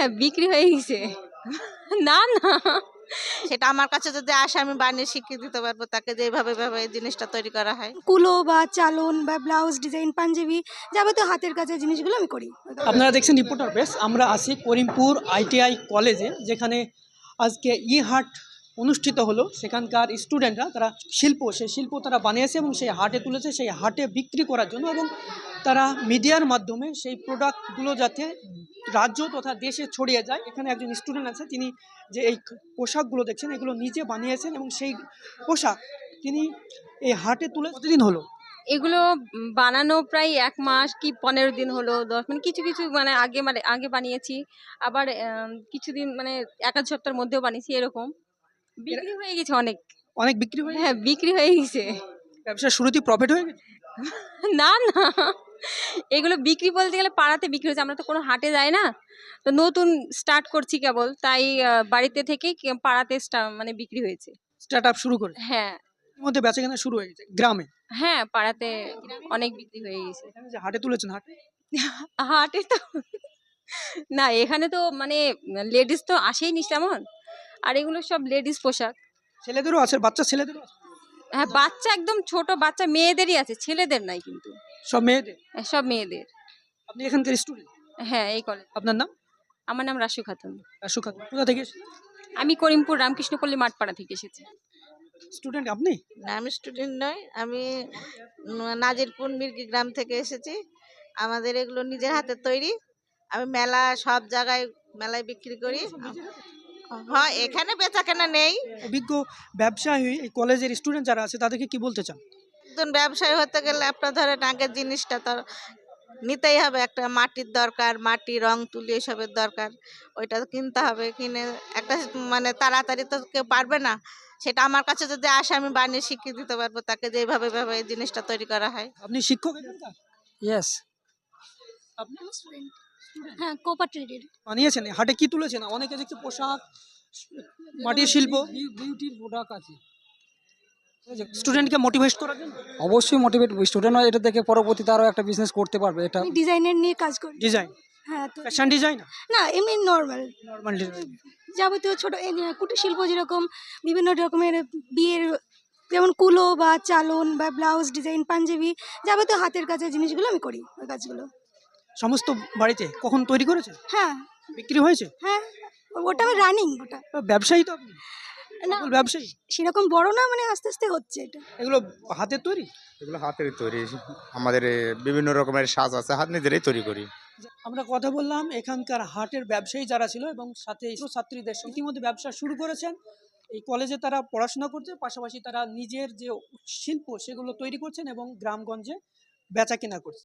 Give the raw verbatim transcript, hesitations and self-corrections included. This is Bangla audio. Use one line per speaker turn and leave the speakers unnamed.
হ্যাঁ, বিক্রি হয়ে গেছে। না, না।
সেটা আমার কাছে যদি আসে আমি বানিয়ে শিখিয়ে দিতে পারবো তাকে যে এইভাবে এভাবে এই জিনিসটা তৈরি করা হয়।
কুলো বা চালন বা ব্লাউজ ডিজাইন, পাঞ্জাবি যাবতীয় হাতের কাজের জিনিসগুলো আমি করি।
আপনারা দেখছেন রিপোর্টার প্রেস। আমরা আছি করিমপুর আইটিআই কলেজে, যেখানে আজকে ই হাট অনুষ্ঠিত হলো। সেখানকার স্টুডেন্টরা তারা শিল্প সেই শিল্প তারা বানিয়েছে এবং সেই হাটে তুলেছে, সেই হাটে বিক্রি করার জন্য, এবং তারা মিডিয়ার মাধ্যমে সেই প্রোডাক্টগুলো যাতে রাজ্য তথা দেশে ছড়িয়ে যায়। এখানে একজন স্টুডেন্ট আছে, তিনি যে এই পোশাকগুলো দেখছেন এগুলো নিজে বানিয়েছেন এবং সেই পোশাক তিনি এই হাটে তুলে কতদিন হলো?
এগুলো উম বানানো প্রায় এক মাস কি পনেরো দিন হলো, দশ মানে কিছু, কিছু মানে আগে মানে আগে বানিয়েছি। আবার আম কিছুদিন মানে এক আধ সপ্তাহের মধ্যেও বানিয়েছি এরকম। বিক্রি হয়ে গেছে অনেক।
অনেক বিক্রি হয়ে
হ্যাঁ, বিক্রি হয়ে গেছে।
ব্যবসার শুরুতেই প্রফিট হয়ে গেছে?
না, না। এগুলো বিক্রি বলতে গেলে পাড়াতে বিক্রি হচ্ছে। আমরা তো কোনো হাটে যাই না। তো নতুন স্টার্ট করছি কেবল। তাই আ বাড়িতে থেকেই কে পাড়াতে স্টা মানে বিক্রি হয়েছে।
স্টার্ট আপ শুরু করে
হ্যাঁ,
এর মধ্যে বেচাকেনা শুরু হয়ে গেছে গ্রামে।
হ্যাঁ, পাড়াতে অনেক বিক্রি হয়ে গেছে।
এখানে যে হাটে তুলেছেন, হাটে
হাটে তো না, এখানে তো মানে লেডিস তো আসেই নি তেমন। আর এগুলো সব লেডিস পোশাক।
ছেলেদেরও আছে, বাচ্চা ছেলেদেরও আছে,
হ্যাঁ, বাচ্চা একদম ছোট বাচ্চা মেয়েদেরই আছে, ছেলেদের নাই কিন্তু।
সব মেয়েদের।
হ্যাঁ, সব মেয়েদের।
আপনি এখানকার স্টুডেন্ট?
হ্যাঁ, এই কলেজ।
আপনার নাম?
আমার নাম রাশু খাতুন।
রাসু খাতুন। কোথা থেকে
আমি করিমপুর রামকৃষ্ণপল্লী মাঠপাড়া থেকে এসেছি।
স্টুডেন্ট আপনি?
না আমি স্টুডেন্ট নই, আমি উম, নাজিরপুর মির্গি গ্রাম থেকে এসেছি। আমাদের এগুলো নিজের হাতের তৈরি। আমি মেলা সব জায়গায় মেলায় বিক্রি করি। হ্যাঁ, এখানে বেচা কেনা নেই।
অভিজ্ঞ ব্যবসায়ী এই কলেজের স্টুডেন্ট যারা আছে তাদেরকে কি বলতে চান?
একজন ব্যবসায়ী হতে গেলে আপনার ধরেন আগের জিনিসটা তো নিতেই হবে, একটা মাটির দরকার, মাটি রং তুলি এসবের দরকার, ওইটা তো কিনতে হবে। কিনে একটা মানে তাড়াতাড়ি তো কেউ পারবে না, সেটা আমার কাছে যদি আসে আমি বানিয়ে শিখিয়ে দিতে পারবো তাকে যে এইভাবে এভাবে এই জিনিসটা তৈরি করা হয়।
আপনি শিক্ষক এখানকার?
ইয়েস।
আপনি
হ্যাঁ, কোপা ট্রেডের।
বানিয়েছেন? এই হাটে কি তুলেছেন? অনেকে দেখছি পোশাক, মাটির শিল্প।
বিউটির প্রোডাক্ট আছে।
স্টুডেন্টকে মোটিভেট করার জন্য
অবশ্যই মোটিভেট স্টুডেন্ট হয়, এটা দেখে পরবর্তীতে আরও একটা বিজনেস করতে পারবে। এটা
আমি ডিজাইনের নিয়ে কাজ করি।
ডিজাইন,
হ্যাঁ, তো
ফ্যাশন ডিজাইন,
না এমনি নরমাল
নরমাল ডিজাইন।
যাবতীয় ছোট এই যে কুটির শিল্প, যেরকম বিভিন্ন রকমের বিয়ের যেমন কুলো বা চালন বা ব্লাউজ ডিজাইন, পাঞ্জাবি যাবতীয় হাতের কাজের জিনিসগুলো আমি করি, ওই কাজগুলো।
সমস্ত বাড়িতে কখন তৈরি করেছে?
হ্যাঁ,
বিক্রি হয়েছে?
হ্যাঁ, ওটা আমার রানিং ওটা।
ব্যবসায়ী তো আপনি?
না,
সফল ব্যবসায়ী?
সেরকম বড় না, মানে আস্তে আস্তে হচ্ছে এটা।
এগুলো হাতের তৈরি?
এগুলো হাতের তৈরি। আমাদের এ, বিভিন্ন রকমের সাজ আছে, হাত নিজেরাই তৈরি করি।
আমরা কথা বললাম এখানকার হাটের ব্যবসায়ী যারা ছিল এবং সাথে ছাত্রীদের সঙ্গে। ইতিমধ্যে ব্যবসা শুরু করেছেন। এই কলেজে তারা পড়াশোনা করছে, পাশাপাশি তারা নিজের যে শিল্প সেগুলো তৈরি করছেন এবং গ্রামগঞ্জে বেচা কেনা করছে।